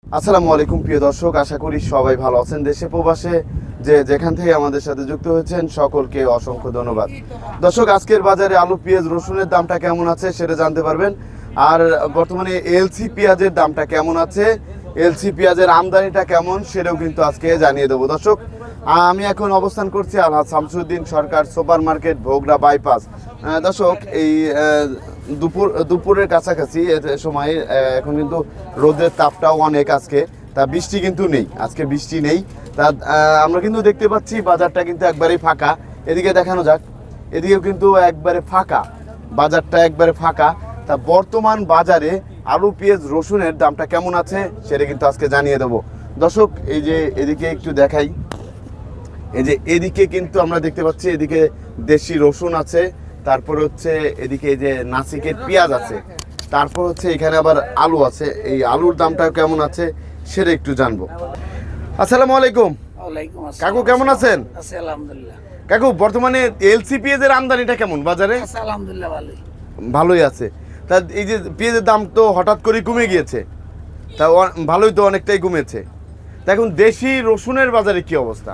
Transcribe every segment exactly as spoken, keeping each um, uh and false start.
আসসালামু আলাইকুম প্রিয় দর্শক, আশা করি সবাই ভালো আছেন। দেশে প্রবাসে যে যেখান থেকে আমাদের সাথে যুক্ত হয়েছেন সকলকে অসংখ্য ধন্যবাদ। দর্শক, আজকের বাজারে আলু, পেঁয়াজ, রসুনের দামটা কেমন আছে সেটা জানতে পারবেন। আর বর্তমানে এলসি পেঁয়াজের দামটা কেমন আছে, এলসি পেঁয়াজের আমদানিটা কেমন সেটাও কিন্তু আজকে জানিয়ে দেবো। দর্শক, আমি এখন অবস্থান করছি Alhaj Shamsuddin Sarkar super market, Bhogra bypass. দর্শক, এই দুপুর দুপুরের কাছাকাছি সময় এখন কিন্তু রোদের তাপটাও অনেক আজকে, তা বৃষ্টি কিন্তু নেই, আজকে বৃষ্টি নেই। তা আমরা কিন্তু দেখতে পাচ্ছি বাজারটা কিন্তু একবারেই ফাঁকা। এদিকে দেখানো যাক, এদিকেও কিন্তু একবারে ফাঁকা, বাজারটা একবারে ফাঁকা। তা বর্তমান বাজারে আলু, পেঁয়াজ, রসুনের দামটা কেমন আছে সেটা কিন্তু আজকে জানিয়ে দেবো। দর্শক, এই যে এদিকে একটু দেখাই, এই যে এদিকে কিন্তু আমরা দেখতে পাচ্ছি এদিকে দেশি রসুন আছে, তারপর হচ্ছে এদিকে এই যে নাসিকের পেঁয়াজ আছে, তারপর হচ্ছে এখানে আবার আলু আছে। এই আলুর দামটা কেমন আছে সেটা একটু জানবো। আসসালামু আলাইকুম কাকু, কেমন আছেন? কাকু, বর্তমানে এলসি পেঁয়াজের আমদানিটা কেমন বাজারে? আলহামদুলিল্লাহ ভালোই ভালোই আছে। তা এই যে পেঁয়াজের দাম তো হঠাৎ করে কমে গিয়েছে, তা ভালোই তো অনেকটাই কমেছে। তা এখন দেশি রসুনের বাজারে কি অবস্থা?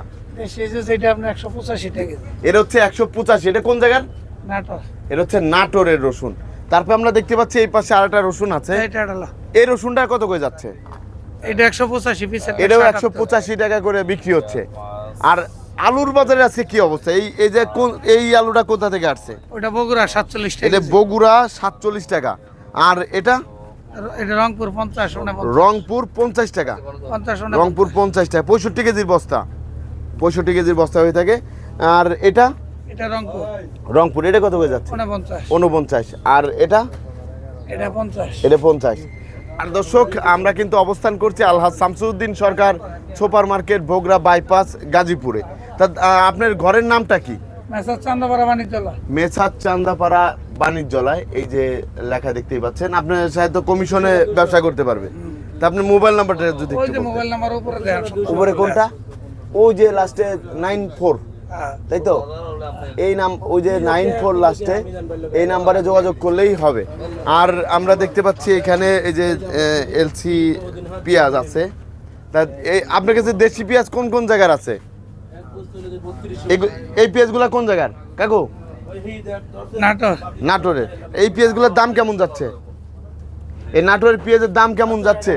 একশো পঁচাশি টাকা এটা হচ্ছে একশো পঁচাশি। এটা কোন জায়গার? নাটোর। এটা হচ্ছে নাটোরের রসুন। তারপর আমরা দেখতে পাচ্ছি এই পাশে আরেকটা রসুন আছে, এই রসুনটা কত করে যাচ্ছে? এটা একশো পঁচাশি পিস, এটাও একশো পঁচাশি টাকা করে বিক্রি হচ্ছে। আর আলুর বাজারে আছে কি অবস্থা? এই এই যে কোন এই আলুটা কোথা থেকে আসছে? ওটা বগুড়া সাতচল্লিশ টাকা। এটা বগুড়া সাতচল্লিশ টাকা। আর এটা এটা রংপুর পঞ্চাশ। রংপুর পঞ্চাশ টাকা। রংপুর পঞ্চাশ টাকা, পঁয়ষট্টি কেজির বস্তা, পঁয়ষট্টি কেজির বস্তা হয়ে থাকে। আর এটা এটা রংপুর। রংপুর এটা কত করে যাচ্ছে? উনপঞ্চাশ। আর এটা এটা পঞ্চাশ। এটা পঞ্চাশ। আর দর্শক, আমরা কিন্তু অবস্থান করছি Alhaj Shamsuddin Sarkar super market, Bhogra bypass, গাজীপুরে। তা আপনার ঘরের নামটা কি? মেসার চান্দাপাড়া বাণিজ্যালয়। মেসার চান্দাপাড়া বাণিজ্যালয়, এই যে লেখা দেখতেই পাচ্ছেন। আপনার সাথে কমিশনে ব্যবসা করতে পারবে। তা আপনার মোবাইল নাম্বারটা যদি ওই যে মোবাইল নাম্বার উপরে দেন। উপরে কোনটা? ওই যে লাস্টে নাইন ফোর, তাই তো? এই নাম ওই যে নাইন ফোর লাস্টে, এই নাম্বারে যোগাযোগ করলেই হবে। আর আমরা দেখতে পাচ্ছি এখানে এই যে এলসি পেঁয়াজ আছে। তা এই আপনার কাছে দেশি পেঁয়াজ কোন কোন জায়গার আছে? এই পেঁয়াজগুলো কোন জায়গার কাকু? নাটোর। নাটোরের। এই পেঁয়াজগুলোর দাম কেমন যাচ্ছে? এই নাটোরের পেঁয়াজের দাম কেমন যাচ্ছে?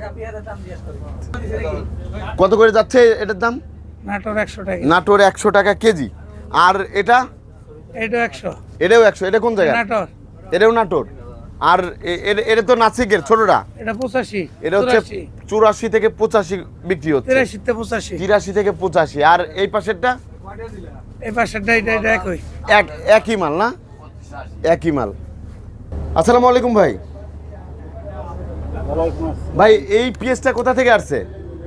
কত করে যাচ্ছে এটার দাম? নাটোর একশো টাকা। নাটোর একশো টাকা কেজি। আর এটা এটা একশো। এটাও একশো। এটা কোন জায়গা? নাটোর। এটাও নাটোর। আর এটা তো নাসিকের ছোটটা, এটা পঁচাশি। এটা হচ্ছে চুরাশি থেকে পঁচাশি বিক্রি হচ্ছে। তিরাশি থেকে পঁচাশি। তিরাশি থেকে পঁচাশি। আর এই পাশেরটা? এই পাশেরটা এটা এটা একই। এক একই মাল না? একই মাল। আসসালামু আলাইকুম ভাই। ভাই, এই পেঁয়াজটা কোথা থেকে আসছে?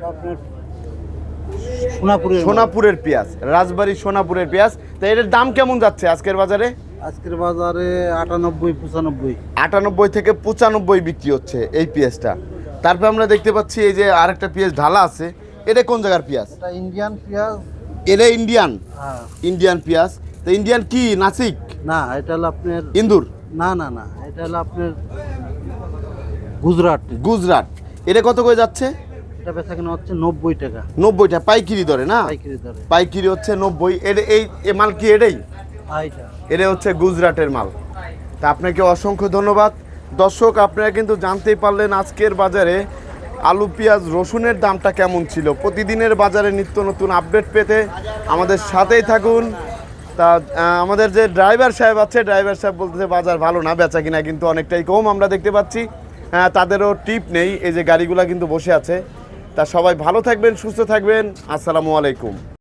সোনাপুরের। সোনাপুরের পেঁয়াজ, রাজবাড়ী সোনাপুরের পেঁয়াজ। তা এটার দাম কেমন যাচ্ছে আজকের বাজারে? আজকের বাজারে আটানব্বই পঁচানব্বই। আটানব্বই থেকে পঁচানব্বই বিক্রি হচ্ছে এই পেঁয়াজটা। তারপর আমরা দেখতে পাচ্ছি এই যে আরেকটা পেঁয়াজ ঢালা আছে। এটা কোন জায়গার পেঁয়াজ? এটা ইন্ডিয়ান পেঁয়াজ। এটা ইন্ডিয়ান? হ্যাঁ, ইন্ডিয়ান পেঁয়াজ। তো ইন্ডিয়ান কি নাসিক? না, এটা হলো আপনার ইন্দুর। না না না, এটা হলো আপনার গুজরাট। গুজরাট। এটা কত করে যাচ্ছে? এটা বেচা কেনা হচ্ছে নব্বই টাকা। নব্বই টাকা পাইকারি দরে না? পাইকারি দরে। পাইকারি হচ্ছে নব্বই। এটা এই মাল কি এটাই? এটা হচ্ছে গুজরাটের মাল। তা আপনাকে অসংখ্য ধন্যবাদ। দর্শক, আপনারা কিন্তু জানতেই পারলেন আজকের বাজারে আলু, পেঁয়াজ, রসুনের দামটা কেমন ছিল। প্রতিদিনের বাজারে নিত্য নতুন আপডেট পেতে আমাদের সাথেই থাকুন। তা আমাদের যে ড্রাইভার সাহেব আছে, ড্রাইভার সাহেব বলতেছে বাজার ভালো না, বেচা কিনা কিন্তু অনেকটাই কম আমরা দেখতে পাচ্ছি। তাদেরও টিপ নেই, এই যে গাড়িগুলা কিন্তু বসে আছে। তা সবাই ভালো থাকবেন, সুস্থ থাকবেন। আসসালামু আলাইকুম।